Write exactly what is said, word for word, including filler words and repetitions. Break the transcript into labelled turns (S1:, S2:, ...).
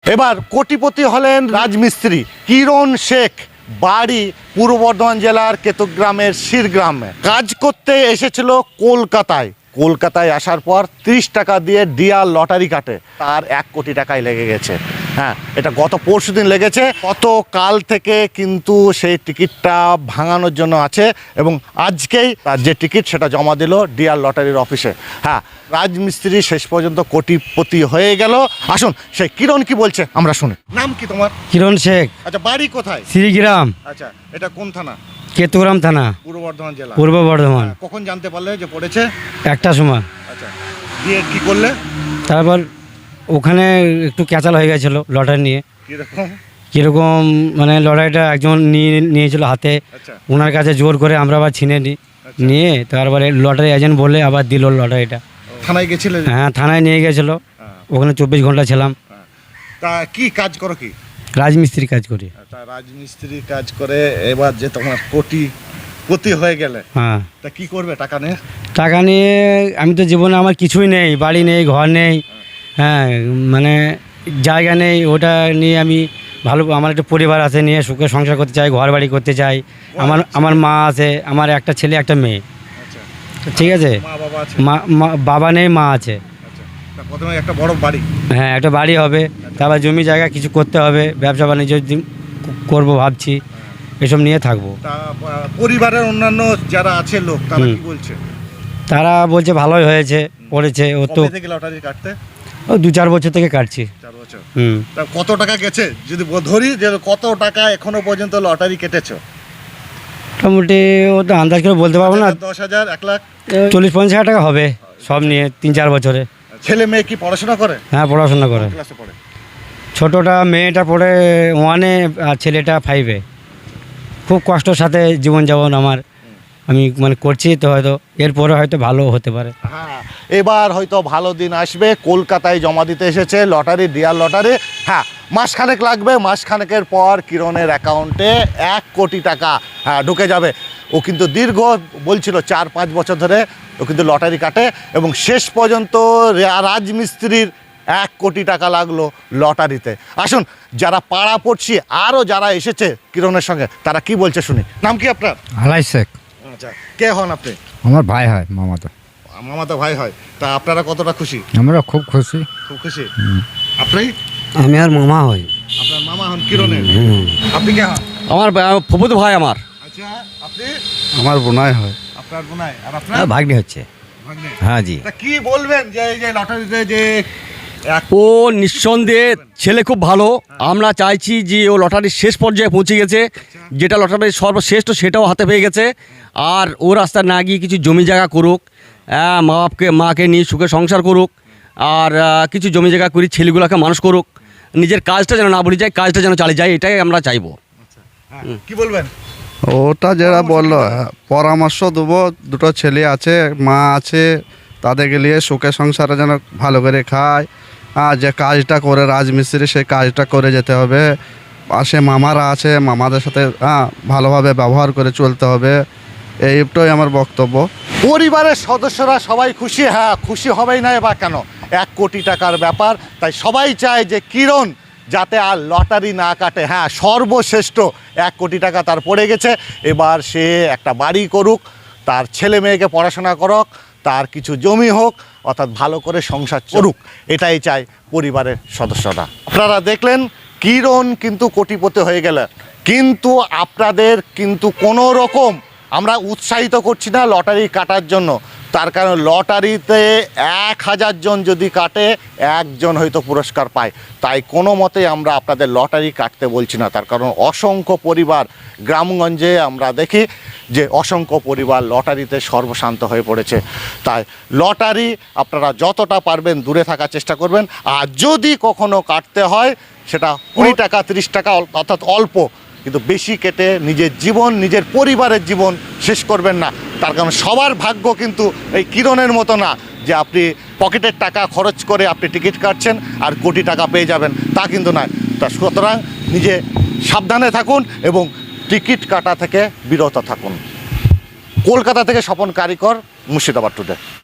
S1: এবার কোটিপতি হলেন রাজমিস্ত্রি কিরণ শেখ, বাড়ি পূর্ব বর্ধমান জেলার কেতুগ্রামের শিরগ্রামে। কাজ করতে এসেছিল কলকাতায়। কলকাতায় আসার পর ত্রিশ টাকা দিয়ে ডিয়ার লটারি কাটে, তার এক কোটি টাকায় লেগে গেছে। হ্যাঁ, এটা গত পরশু দিন লেগেছে। গত কাল থেকে কিন্তু সেই টিকিটটা ভাঙানোর জন্য আছে এবং আজকেই তার যে টিকিট সেটা জমা দিল ডিয়ার লটারির অফিসে। হ্যাঁ, রাজমিস্ত্রি শেষ পর্যন্ত কোটিপতি হয়ে গেল। আসুন সেই কিরণ কি বলছে আমরা শুনি। নাম কি তোমার?
S2: কিরণ শেখ।
S1: আচ্ছা, বাড়ি কোথায়?
S2: শ্রীগ্রাম।
S1: আচ্ছা, এটা কোন থানা?
S2: কেতুগ্রাম থানা,
S1: পূর্ব বর্ধমান জেলা।
S2: পূর্ব বর্ধমান।
S1: হ্যাঁ, কখন জানতে পারলে যে পড়েছে?
S2: একটা সময়।
S1: আচ্ছা, দিয়ে কি করলে?
S2: তারপর ওখানে একটু ক্যাচাল হয়ে গেছিলো লটারি নিয়ে।
S1: কিরকম?
S2: কীরকম মানে লটারিটা একজন নিয়ে নিয়েছিল হাতে।
S1: আচ্ছা,
S2: ওনার কাছে জোর করে আমরা আবার ছিনে নিই। নিয়ে তারপরে লটারি এজেন্ট বলে আবার দিল লটারিটা।
S1: থানায় গেছিলে?
S2: হ্যাঁ, থানায় নিয়ে গেছিলো।
S1: হ্যাঁ,
S2: ওখানে চব্বিশ ঘন্টা ছিলাম।
S1: হ্যাঁ। তা কি কাজ করো কি?
S2: রাজমিস্ত্রি কাজ করি।
S1: তা রাজমিস্ত্রি কাজ করে এবার যে তোমার কোটি পতি হয়ে গেলে,
S2: হ্যাঁ,
S1: তা কি করবে টাকা নিয়ে?
S2: টাকা নিয়ে আমি তো জীবনে আমার কিছুই নেই, বাড়ি নেই, ঘর নেই। হ্যাঁ, মানে জায়গা নেই। ওটা নিয়ে আমি ভালো, আমার একটা পরিবার আছে, নিয়ে সুখে সংসার করতে চাই, ঘর বাড়ি করতে চাই। আমার আমার মা আছে, আমার একটা ছেলে একটা মেয়ে।
S1: আচ্ছা,
S2: ঠিক আছে।
S1: মা বাবা আছে?
S2: মা মা- বাবা নেই, মা আছে।
S1: আচ্ছা, তা প্রথমে একটা বড় বাড়ি।
S2: হ্যাঁ, একটা বাড়ি হবে, তারপর জমি জায়গা কিছু করতে হবে, ব্যবসা বাণিজ্য দি- করবো ভাবছি, এসব নিয়ে থাকবো।
S1: তা আহ, পরিবারের অন্যান্য যারা আছে লোক তারা কি বলছে?
S2: তারা বলছে ভালোই হয়েছে, পড়েছে। ও তো
S1: কবে থেকে লটারি কাটতে?
S2: ও দু চার বছর থেকে কাটছি।
S1: চার বছর।
S2: হুম।
S1: তা কত টাকা গেছে যদি ব- ধরি যে কত টাকা এখনো পর্যন্ত লটারি কেটেছো?
S2: মোটামুটি ও তো আন্দাজ করে বলতে পারবো না।
S1: দশ হাজার, এক লাখ?
S2: চল্লিশ পঞ্চাশ হাজার টাকা হবে সব নিয়ে তিন চার বছরে।
S1: ছেলে মেয়ে কি পড়াশোনা করে?
S2: হ্যাঁ, পড়াশোনা করে।
S1: কোন ক্লাসে পড়ে?
S2: ছোটোটা মেয়েটা পড়ে ওয়ানে আর ছেলেটা ফাইভে। খুব কষ্টের সাথে জীবনযাপন আমার আমি মানে করছি, তো হয়তো এরপরে হয়তো ভালো হতে পারে।
S1: হ্যাঁ, এবার হয়তো ভালো দিন আসবে। কলকাতায় জমা দিতে এসেছে লটারি, ডিয়ার লটারি। হ্যাঁ, মাসখানেক লাগবে। মাসখানেকের পর কিরণের অ্যাকাউন্টে এক কোটি টাকা হ্যাঁ ঢুকে যাবে। ও কিন্তু দীর্ঘ বলছিল চার পাঁচ বছর ধরে ও কিন্তু লটারি কাটে এবং শেষ পর্যন্ত রা- রাজমিস্ত্রির এক কোটি টাকা লাগলো লটারিতে। আসুন, যারা পাড়া পড়ছি আরও যারা এসেছে কিরণের সঙ্গে তারা কি বলছে শুনি। নাম কি আপনার?
S3: আলাই শেখ।
S1: আচ্ছা, কে হন আপনি?
S3: আমার ভাই হয়, মামা তো।
S1: মামা তো ভাই হয়। তা আপনারা কতটা খুশি?
S3: আমরা খুব খুশি।
S1: খুব খুশি। আপনি?
S2: আমি আর মামা হই।
S1: আপনার মামা হন কিরণের। আপনি কে হন?
S4: আমার ফুফুতো ভাই আমার।
S1: আচ্ছা, আপনি?
S3: আমার বোনাই হয়।
S1: আপনার বোনাই। আর আপনার?
S2: ভাগ্নি হচ্ছে।
S1: ভাগ্নে।
S2: হ্যাঁ জি।
S1: তা কি বলবেন যে এই যে লটারিতে যে এক-
S4: ও নিঃসন্দেহে ছেলে খুব ভালো। আমরা চাইছি যে ও লটারির শেষ পর্যায়ে পৌঁছে গেছে, যেটা লটারির সর্বশ্রেষ্ঠ সেটাও হাতে পেয়ে গেছে। আর ও রাস্তা না গিয়ে কিছু জমি জায়গা করুক, হ্যাঁ, মা বাপকে মাকে নিয়ে সুখে সংসার করুক, আর আহ, কিছু জমি জায়গা করি ছেলেগুলোকে মানুষ করুক, নিজের কাজটা যেন না ভুলে যায়, কাজটা যেন চালিয়ে যায়, এটাই আমরা চাইবো।
S1: হ্যাঁ, কি বলবেন?
S3: ওটা যেটা বললো, পরামর্শ দেবো। দুটো ছেলে আছে, মা আছে, তাদেরকে নিয়ে সুখে সংসারে যেন ভালো করে খায়। আর যে কাজটা করে রাজমিস্ত্রি, সেই কাজটা করে যেতে হবে। পাশে মামারা আছে, মামাদের সাথে হ্যাঁ ভালোভাবে ব্যবহার করে চলতে হবে। এইটাই আমার বক্তব্য।
S1: পরিবারের সদস্যরা সবাই খুশি। হ্যাঁ, খুশি হবেই না বা কেন, এক কোটি টাকার ব্যাপার। তাই সবাই চায় যে কিরণ যাতে আর লটারি না কাটে। হ্যাঁ, সর্বশ্রেষ্ঠ এক কোটি টাকা তার পড়ে গেছে। এবার সে একটা বাড়ি করুক, তার ছেলে মেয়েকে পড়াশোনা করুক, তার কিছু জমি হোক, অর্থাৎ ভালো করে সংসার করুক, এটাই চায় পরিবারের সদস্যরা। আপনারা দেখলেন কিরণ কিন্তু কোটিপতি হয়ে গেলেন, কিন্তু আপনাদের কিন্তু কোনো রকম আমরা উৎসাহিত করছি না লটারি কাটার জন্য। তার কারণ লটারিতে এক হাজার জন যদি কাটে, একজন হয়তো পুরস্কার পায়। তাই কোনো মতেই আমরা আপনাদের লটারি কাটতে বলছি না। তার কারণ অসংখ্য পরিবার গ্রামগঞ্জে আমরা দেখি যে অসংখ্য পরিবার লটারিতে সর্বশান্ত হয়ে পড়েছে। তাই লটারি আপনারা যতটা পারবেন দূরে থাকার চেষ্টা করবেন। আর যদি কখনো কাটতে হয় সেটা কুড়ি টাকা তিরিশ টাকা অর্থাৎ অল্প, কিন্তু বেশি কেটে নিজের জীবন নিজের পরিবারের জীবন শেষ করবেন না। তার কারণ সবার ভাগ্য কিন্তু এই কিরণের মতো না যে আপনি পকেটের টাকা খরচ করে আপনি টিকিট কাটছেন আর কোটি টাকা পেয়ে যাবেন, তা কিন্তু নয়। তা সুতরাং নিজে সাবধানে থাকুন এবং টিকিট কাটা থেকে বিরত থাকুন। কলকাতা থেকে স্বপন কারিকর, মুর্শিদাবাদ টুডে।